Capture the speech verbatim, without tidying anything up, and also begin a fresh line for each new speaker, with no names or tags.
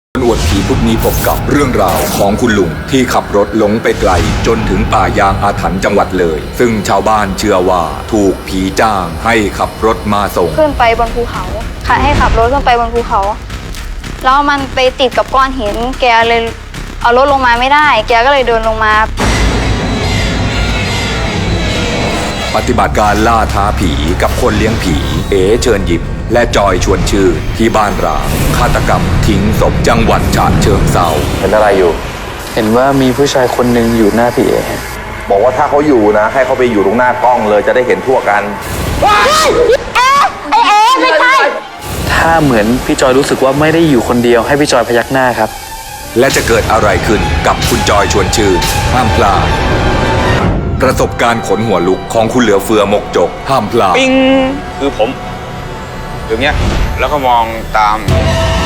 อวดผีพุธนี้พบกับเรื่องราวของคุณลุงที่ขับรถหลงไปไกลจนถึงป่ายางอาถรรพ์จังหวัดเลยซึ่งชาวบ้านเชื่อว่าถูกผีจ้างให้ขับรถมาส่ง
ขึ้นไปบนภูเขาค่ะให้ขับรถขึ้นไปบนภูเขาแล้วมันไปติดกับก้อนหินแกเลยเอารถลงมาไม่ได้แกก็เลยเดินลงมา
ปฏิบัติการล่าท้าผีกับคนเลี้ยงผีเอ๋เชิญยิ้มและจอยชวนชื่นที่บ้านร้างฆาตกรรมทิ้งศพจังหวัดฉะเชิงเทรา
เห็นอะไรอยู่
เห็นว่ามีผู้ชายคนหนึ่งอยู่หน้าพี่เอ
บอกว่าถ้าเขาอยู่นะให้เขาไปอยู่ตรงหน้ากล้องเลยจะได้เห็นทั่วกัน
ว้ายเอ๊ะไอเอ๊ะไม่ใช่
ถ้าเหมือนพี่จอยรู้สึกว่าไม่ได้อยู่คนเดียวให้พี่จอยพยักหน้าครับ
และจะเกิดอะไรขึ้นกับคุณจอยชวนชื่นห้ามพลาดประสบการณ์ขนหัวลุกของคุณเหลือเฟือหมกจกห้ามพลาด
ปิ้งคือผมอย่างเงี้ยแล้วก็มองตาม